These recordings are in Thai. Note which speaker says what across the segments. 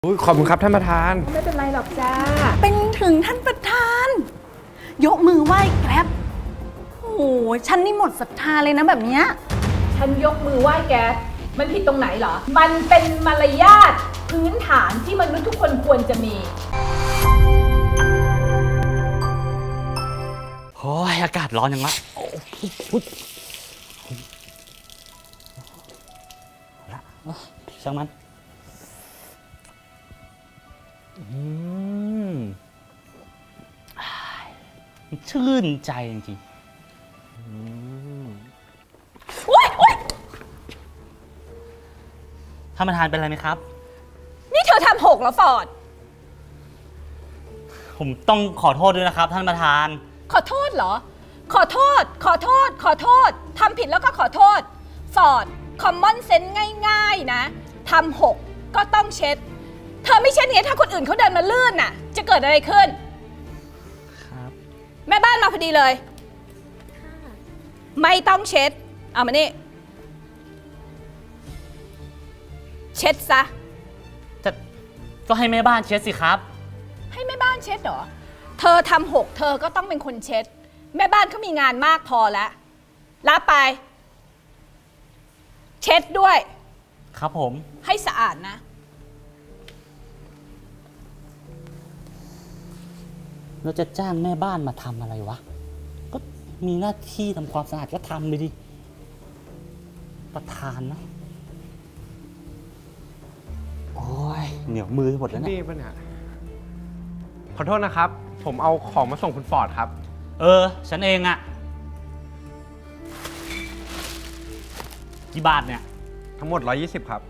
Speaker 1: ขอบคุณครับท่านประธาน
Speaker 2: ไม่เป็นไรหรอกจ้า
Speaker 3: เป็นถึงท่านประธานยกมือไหว้แกร็บโอ้โหฉันนี่หมดศรัทธาเลยนะแบบเนี้ย
Speaker 2: ฉันยกมือไหว้แกมันผิดตรงไหนเหรอมันเป็นมารยาทพื้นฐานที่มนุษย์ทุกคนควรจะมี
Speaker 4: โอ้ยอากาศร้อนยังวะช่างมันชื่นใจจริงๆท่านประธานเป็นอะไรไหมครับ
Speaker 3: นี่เธอทำหกแล้วฟอร์ด
Speaker 4: ผมต้องขอโทษด้วยนะครับท่านประธาน
Speaker 3: ขอโทษเหรอขอโทษทำผิดแล้วก็ขอโทษฟอร์ดคอมมอนเซนส์ง่ายๆนะทำหกก็ต้องเช็ดเธอไม่เช็ดเนี่ยถ้าคนอื่นเขาเดินมาลื่นน่ะจะเกิดอะไรขึ้น
Speaker 4: ครับ
Speaker 3: แม่บ้านมาพอดีเลยไม่ต้องเช็ดเอามานี่เช็ดซะ
Speaker 4: ก็ให้แม่บ้านเช็ดสิครับ
Speaker 3: ให้แม่บ้านเช็ดเหรอเธอทำหกเธอก็ต้องเป็นคนเช็ดแม่บ้านเขามีงานมากพอแล้วรับไปเช็ดด้วย
Speaker 4: ครับผม
Speaker 3: ให้สะอาดนะ
Speaker 4: เราจะจ้างแม่บ้านมาทำอะไรวะก็มีหน้าที่ทำความสะอาดก็ทำไปดิประธานนะโอ้ยเหนียวมือหมดแล้วเนี่ย
Speaker 1: นี่ป่ะเนี่ยขอโทษนะครับผมเอาของมาส่งคุณฟอร์ดครับ
Speaker 4: ฉันเองอะกี่บาทเนี่ย
Speaker 1: ทั้งหมด120ครับ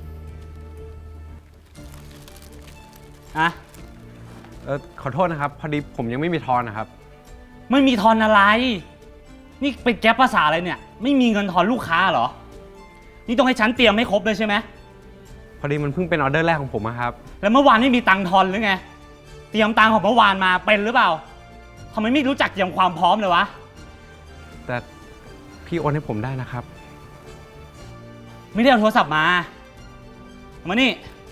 Speaker 1: ขอโทษนะครับพอดีผมยังไม่มีทอนนะครับ
Speaker 4: ไม่มีทอนอะไรนี่เป็นแก๊ปภาษาอะไรเนี่ยไม่มีเงินทอนลูกค้าเหรอนี่ต้องให้ฉันเตรียมให้ครบเลยใช่ไหม
Speaker 1: พอดีมันเพิ่งเป็นออเดอร์แรกของผมครับ
Speaker 4: แล้วเมื่อวานไม่มีตังค์ทอนหรือไงเตรียมตังค์ของเมื่อวานมาเป็นหรือเปล่าทำไมไม่รู้จักเตรียมความพร้อมเลยวะ
Speaker 1: แต่พี่โอนให้ผมได้นะครับ
Speaker 4: ไม่ได้เอาโทรศัพท์มานี่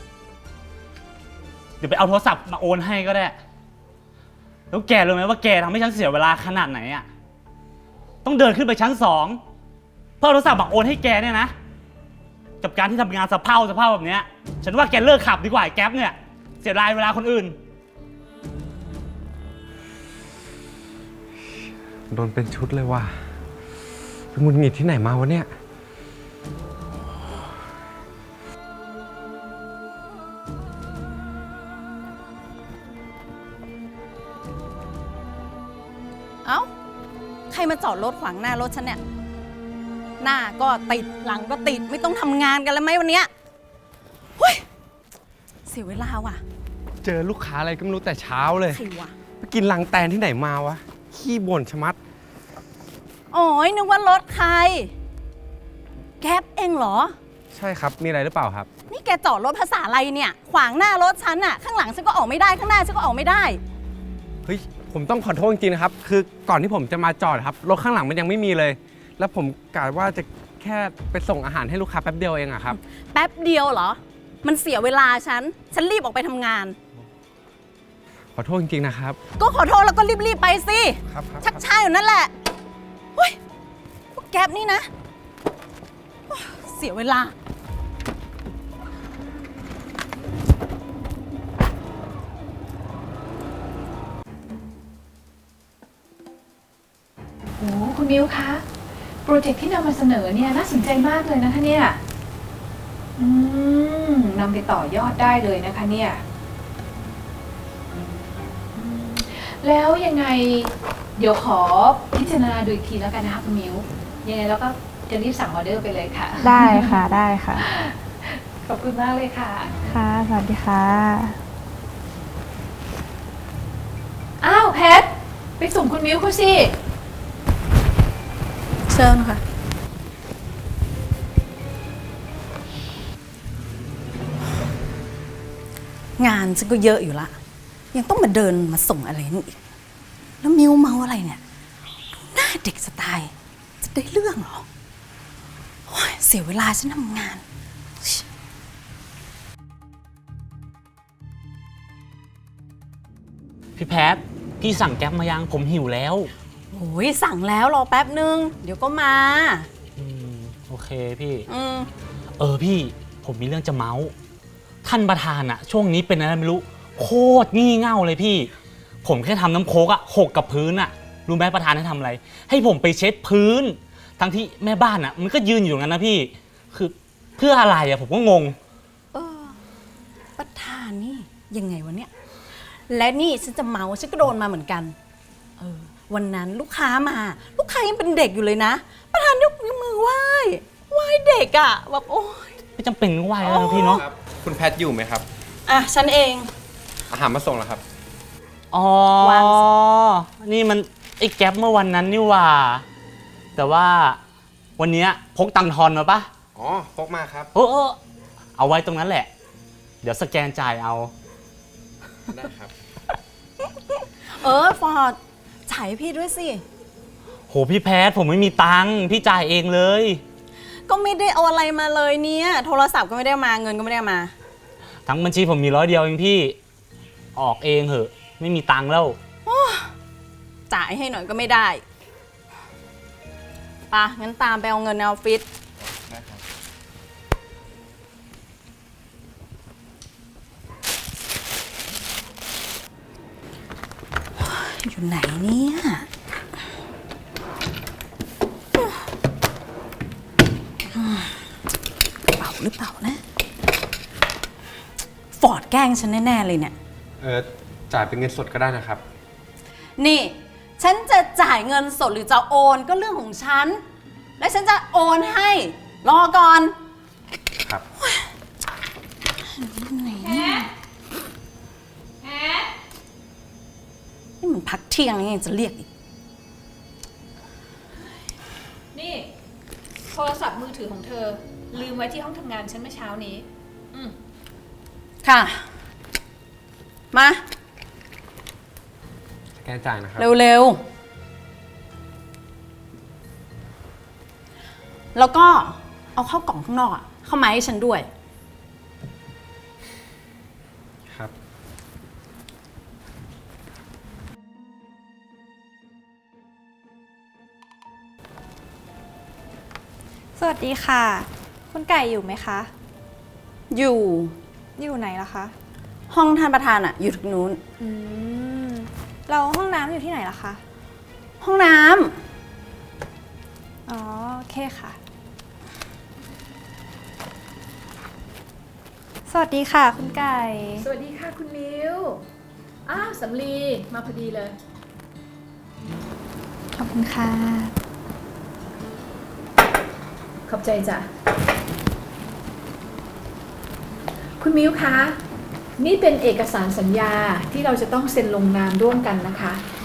Speaker 4: เดี๋ยวไปเอาโทรศัพท์มาโอนให้ก็ได้แล้วแกรู้ไหมว่าแกทำให้ฉันเสียเวลาขนาดไหนอ่ะต้องเดินขึ้นไปชั้น2เพื่อเอาโทรศัพท์มาโอนให้แกเนี่ยนะกับการที่ทำงานสะเพร่าแบบนี้ฉันว่าแกเลิกขับดีกว่าแก๊ปเนี่ยเสียดายเวลาคนอื่น
Speaker 1: โดนเป็นชุดเลยว่ะเป็นหงุดหงิดที่ไหนมาวะเนี่ย
Speaker 3: เอ้าใครมาจอดรถขวางหน้ารถฉันเนี่ยหน้าก็ติดหลังก็ติดไม่ต้องทำงานกันแล้วไหมวันเนี้ยเฮ้ยเสียเวลาว่ะ
Speaker 1: เจอลูกค้าอะไรก็ไม่รู้แต่เช้าเลย
Speaker 3: ใครวะ
Speaker 1: ไปกินลังแตนที่ไหนมาวะขี้บ่นชะมัด
Speaker 3: อ๋อนึกว่ารถใครแก๊ปเองเหรอ
Speaker 1: ใช่ครับมีอะไรหรือเปล่าครับ
Speaker 3: นี่แกจอดรถภาษาอะไรเนี่ยขวางหน้ารถฉันอะข้างหลังฉันก็ออกไม่ได้ข้างหน้าฉันก็ออกไม่ได้
Speaker 1: เฮ้ยผมต้องขอโทษจริงๆนะครับคือก่อนที่ผมจะมาจอดครับรถข้างหลังมันยังไม่มีเลยแล้วผมกะว่าจะแค่ไปส่งอาหารให้ลูกค้าแป๊บเดียวเองอะครับ
Speaker 3: แป๊บเดียวเหรอมันเสียเวลาฉันรีบออกไปทำงาน
Speaker 1: ขอโทษจริงๆนะครับ
Speaker 3: ก็ขอโทษแล้วก็รีบไปสิ
Speaker 1: ครับ
Speaker 3: ชักช้าอยู่นั่นแหละเฮ้ยพวกแก๊ปนี่นะเสียเวลา
Speaker 2: โอ้คุณมิวคะโปรเจกต์ที่นำมาเสนอเนี่ยน่าสนใจมากเลยนะคะเนี่ยนำไปต่อยอดได้เลยนะคะเนี่ยแล้วยังไงเดี๋ยวขอพิจารณาดูอีกทีแล้วกันนะคะคุณมิวยังไงเราก็จะรีบสั่งออเดอร์ไปเลยค่ะ
Speaker 5: ได้ค่ะได้ค่ะ
Speaker 2: ขอบคุณมากเลยค่ะ
Speaker 5: ค่ะสวัสดีค่ะ
Speaker 2: อ้าวแพทไปส่งคุณมิวเขาสิ
Speaker 3: เชิญค่ะงานฉันก็เยอะอยู่ละยังต้องมาเดินมาส่งอะไรนี่อีกแล้วมิวเมาอะไรเนี่ยหน้าเด็กสไตล์จะได้เรื่องเหรอเสียเวลาฉันทำงาน
Speaker 4: พี่แพทพี่สั่งแก๊ปมายังผมหิวแล้ว
Speaker 6: โอ้ยสั่งแล้วรอแป๊บนึง เดี๋ยวก็มา
Speaker 4: โอเคพี่
Speaker 6: อืม
Speaker 4: พี่ผมมีเรื่องจะเมาส์ท่านประธานอะช่วงนี้เป็นอะไรไม่รู้โคตรงี่เง่าเลยพี่ ผมแค่ทำน้ำโค้กอะหกกับพื้นอะรู้ไหมประธานให้ทำอะไร ให้ผมไปเช็ดพื้น ทั้งที่แม่บ้านอะมันก็ยืนอยู่ตรงนั้นนะพี่ คือเพื่ออะไรอะผมก็งง
Speaker 6: ประธานนี่ยังไงวะเนี่ย และนี่ฉันจะเมาฉันก็โดนมาเหมือนกัน วันนั้นลูกค้ามา ลูกค้ายังเป็นเด็กอยู่เลยนะ ประธานยกมือไหว้เด็กอะแบบโอ้ย
Speaker 4: ไม่จำเป็นก็ไหวแล้วนะพี่เนาะ
Speaker 1: ครับ คุณแพทอยู่ไหมครับ
Speaker 6: อ่ะฉันเอง
Speaker 1: อาหารมาส่งแล้วครับ
Speaker 4: อ๋อ
Speaker 6: วาง
Speaker 4: นี่มันไอ้แก๊ปเมื่อวันนั้นนี่หว่า แต่ว่าวันเนี้ยพกตังค์ทอนมาปะ
Speaker 1: อ๋อพกมาครับ
Speaker 4: เอาไว้ตรงนั้นแหละ เดี๋ยวสแกนจ่ายเอา
Speaker 1: ได้ครับ
Speaker 6: ฟอร์ดจ่ายให้พี่ด้วยสิ
Speaker 4: โหพี่แพทผมไม่มีตังค์พี่จ่ายเองเลย
Speaker 6: ก็ไม่ได้เอาอะไรมาเลยเนี่ย โทรศัพท์ก็ไม่ได้มาเงินก็ไม่ได้เอามา
Speaker 4: ทั้งบัญชีผมมี100 เดียวเองพี่ ออกเองเหอะ ไม่มีตังค์แล้ว
Speaker 6: จ่ายให้หน่อยก็ไม่ได้ปะงั้นตามไปเอาเงินในออฟฟิศ
Speaker 1: ได้ครับ
Speaker 6: อยู่ไหนเนี่ยกระเป๋าหรือเปล่านะ ฟอร์ดแกล้งฉันแน่ ๆ เลยเนี่ย
Speaker 1: จ่ายเป็นเงินสดก็ได้นะครับ
Speaker 6: นี่ ฉันจะจ่ายเงินสดหรือจะโอนก็เรื่องของฉัน และฉันจะโอนให้ รอก่อน
Speaker 1: ครับ
Speaker 6: นี่มันพักเที่ยงยังไงจะเรียกอีก
Speaker 2: นี่ โทรศัพท์มือถือของเธอ ลืมไว้ที่ห้องทำงานฉันเมื่อเช้านี้
Speaker 6: ค่ะ มา
Speaker 1: สแกนจ่ายนะครับ
Speaker 6: เร็ว ๆ แล้วก็เอาเข้ากล่องข้างนอกอะเข้ามาให้ฉันด้วย
Speaker 1: ครับ
Speaker 5: สวัสดีค่ะ คุณไก่อยู่ไหมคะ
Speaker 6: อยู่
Speaker 5: อยู่ไหนล่ะคะ
Speaker 6: ห้องท่านประธานอะอยู่ทางนู้น
Speaker 5: เราห้องน้ำอยู่ที่ไหนล่ะคะ
Speaker 6: ห้องน้
Speaker 5: อ๋อ โอเคค่ะ สวัสดีค่ะ คุณไก่
Speaker 2: สวัสดีค่ะคุณมิวอ้าวสำลีมาพอดีเลย
Speaker 5: ขอบคุณค่ะ
Speaker 2: ขอบใจจ้ะ คุณมิวคะ นี่เป็นเอกสารสัญญาที่เราจะต้องเซ็นลงนามร่วมกันนะคะ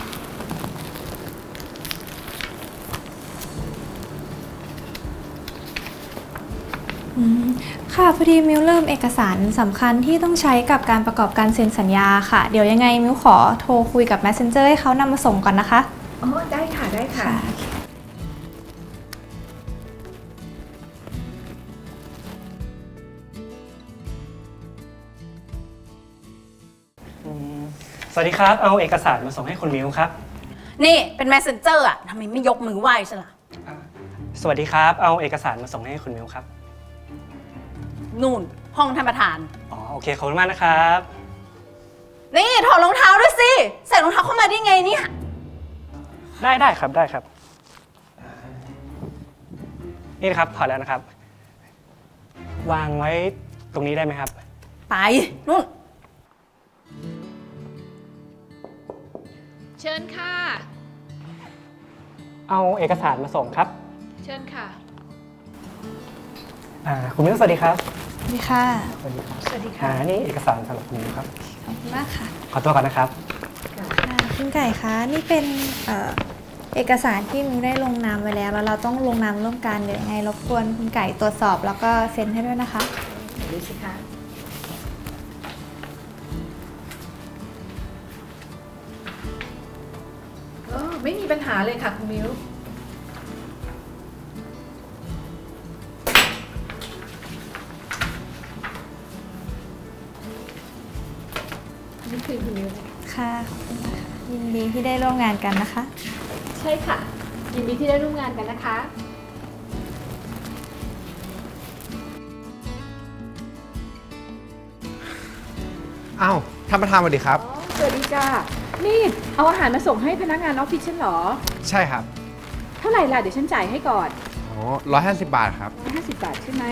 Speaker 5: ค่ะพอดีมิวเริ่มเอกสารสำคัญที่ต้องใช้กับการประกอบการเซ็นสัญญาค่ะ เดี๋ยวยังไงมิวขอโทรคุยกับ Messenger ให้เขานำมาส่งก่อนนะคะ
Speaker 2: อ๋อ ได้ค่ะ ได้ค่ะ
Speaker 7: สวัสดีครับ เอาเอกสารมาส่งให้คุณมิวครับ
Speaker 6: ำนี่เป็น messenger อะทำไมไม่ยกมือไหว้ฉันล่ะ
Speaker 7: สวัสดีครับ เอาเอกสารมาส่งให้คุณมิวครับ
Speaker 6: นู่น ห้องท่านประธาน
Speaker 7: อ๋อ โอเค ขอบคุณมากนะครับ
Speaker 6: นี่ถอดรองเท้าด้วยสิ ใส่รองเท้าเข้ามาได้ไงเนี่ย
Speaker 7: ได้ครับ ได้ครับ นี่นะครับ ถอดแล้วนะครับ วางไว้ตรงนี้ได้ไหมครับ
Speaker 6: ไปนู่น
Speaker 2: เชิญค่ะ
Speaker 7: เอาเอกสารมาส่งครับ
Speaker 2: เชิญค่ะ
Speaker 7: คุณมิวสวัสดีครับ
Speaker 5: สวัสดีค่ะ
Speaker 7: สวัสดีครับ
Speaker 2: สวัสดีค่ะ
Speaker 7: นี่เอกสารสำหรับคุณมิวครับ
Speaker 5: ขอบคุณมากค่ะ
Speaker 7: ขอตัวก่อนนะครับ
Speaker 5: คุณไก่คะ นี่เป็นเอกสารที่มิวได้ลงนามไว้แล้ว แล้วเราต้องลงนามร่วมกัน เดี๋ยวยังไงรบกวนคุณไก่ตรวจสอบแล้วก็เซ็นให้ด้วยนะคะ
Speaker 2: ดูสิคะไม่มีปัญหาเลยค่ะคุณมิวนี่คือคุณมิว
Speaker 5: ค่ะขอบคุณค่ะยินดีที่ได้ร่วมงานกันนะคะ
Speaker 2: ใช่ค่ะ ยินดีที่ได้ร่วมงานกันนะคะ
Speaker 1: อ้าวท่านประธานสวัสดีครับ
Speaker 2: สวัสดีจ้านี่เอาอาหารมาส่งให้พนักงานออฟฟิศฉันเหรอ
Speaker 1: ใช่ครับ
Speaker 2: เท่าไหร่ล่ะ เดี๋ยวฉันจ่ายให้ก่อน
Speaker 1: อ๋อ150 บาทครับ
Speaker 2: 150 บาทใช่ไหม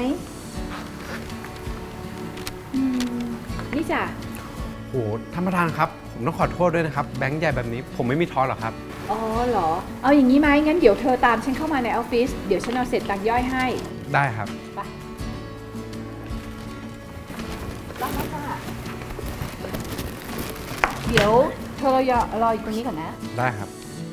Speaker 2: นี่จ้ะ
Speaker 1: โหท่านประธานครับ ผมต้องขอโทษด้วยนะครับ แบงค์ใหญ่แบบนี้ผมไม่มีทอนหรอกครับ
Speaker 2: อ๋อเหรอ เอาอย่างนี้ไหมงั้นเดี๋ยวเธอตามฉันเข้ามาในออฟฟิศ เดี๋ยวฉันเอาเสร็จตังค์ย่อยให้
Speaker 1: ได้ครับ
Speaker 2: ไปรับแล้วจ้ะเดี๋ยวเธอรออยู่ตรงนี้ก่อนนะ
Speaker 1: ได้ครับ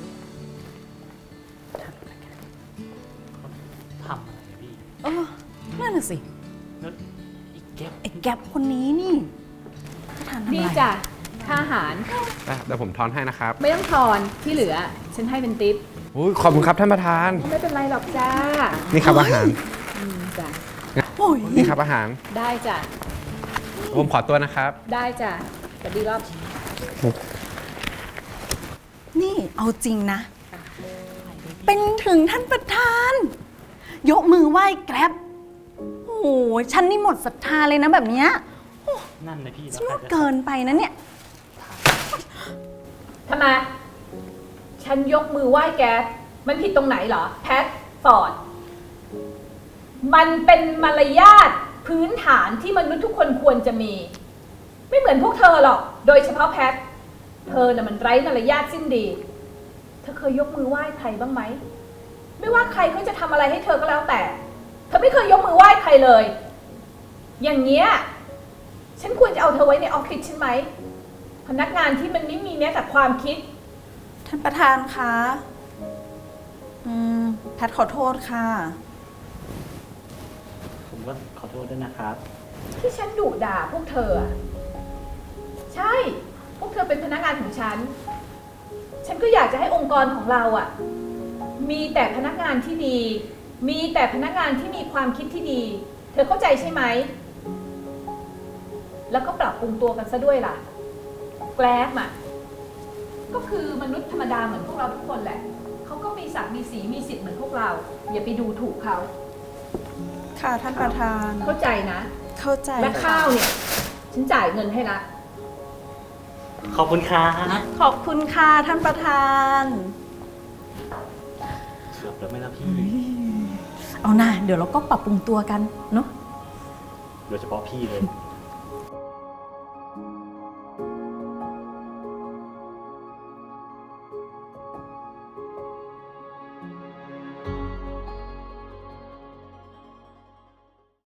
Speaker 4: ทำอะไรพี่
Speaker 6: เออนั่นน่ะสิ
Speaker 4: แล้วอีกแก๊ป
Speaker 6: ไอ้แก๊ปคนนี้นี่ท่านประธานทำอะไร
Speaker 2: นี่จ้ะ ค่าอาหาร
Speaker 1: ได้ครับเดี๋ยวผมทอนให้นะครับ
Speaker 2: ไม่ต้องทอนที่เหลือ ฉันให้เป็นทิป
Speaker 1: อุ้ยขอบคุณครับท่านประธาน
Speaker 2: ไม่เป็นไรหรอกจ้า
Speaker 1: นี่ครับอาหาร
Speaker 2: จ้ะ
Speaker 6: โอ้ย
Speaker 1: นี่ครับอาหาร
Speaker 2: ได้จ้ะ
Speaker 1: ผมขอตัวนะครับ
Speaker 2: ได้จ้ะสวัสดีรอบ
Speaker 6: นี่เอาจริงนะ เป็นถึงท่านประธาน ยกมือไหว้แกร็บโอ้โหฉันนี่หมดศรัทธาเลยนะแบบเนี้ย
Speaker 4: นั่นเลยพี่
Speaker 6: ฉันว่าเกินไปนะเนี่ย
Speaker 2: ทำไม ฉันยกมือไหว้แก มันผิดตรงไหนเหรอ แพทฟอร์ด มันเป็นมารยาทพื้นฐานที่มนุษย์ทุกคนควรจะมี ไม่เหมือนพวกเธอหรอก โดยเฉพาะแพท เธอน่ะมันไร้มารยาทสิ้นดี เธอเคยยกมือไหว้ใครบ้างไหม ไม่ว่าใครเขาจะทำอะไรให้เธอก็แล้วแต่ เธอไม่เคยยกมือไหว้ใครเลย อย่างเงี้ย ฉันควรจะเอาเธอไว้ในออฟฟิศใช่ไหม พนักงานที่มันไม่มีแม้แต่ความคิด
Speaker 6: ท่านประธานคะแพทขอโทษค่ะ
Speaker 4: ผมก็ขอโทษด้วยนะครับ
Speaker 2: ที่ฉันดุด่าพวกเธออะใช่ พวกเธอเป็นพนักงานของฉัน ฉันก็อยากจะให้องค์กรของเราอะมีแต่พนักงานที่ดี มีแต่พนักงานที่มีความคิดที่ดี เธอเข้าใจใช่ไหม แล้วก็ปรับปรุงตัวกันซะด้วยล่ะ แกร็บอะก็คือมนุษย์ธรรมดาเหมือนพวกเราทุกคนแหละ เขาก็มีศักดิ์มีสีมีสิทธิ์เหมือนพวกเรา อย่าไปดูถูกเขา
Speaker 6: ค่ะท่านประธาน
Speaker 2: เข้าใจนะ
Speaker 6: เข้าใจ
Speaker 2: และข้าวเนี่ย ฉันจ่ายเงินให้ละ
Speaker 4: ขอบคุณครับ
Speaker 6: ขอบคุณค่ะท่านประธาน
Speaker 4: เกือบแล้วไหมล่ะพี่
Speaker 6: เอาหน่าเดี๋ยวเราก็ปรับปรุงตัวกันเนาะ
Speaker 4: โดยเฉพาะพี่เลย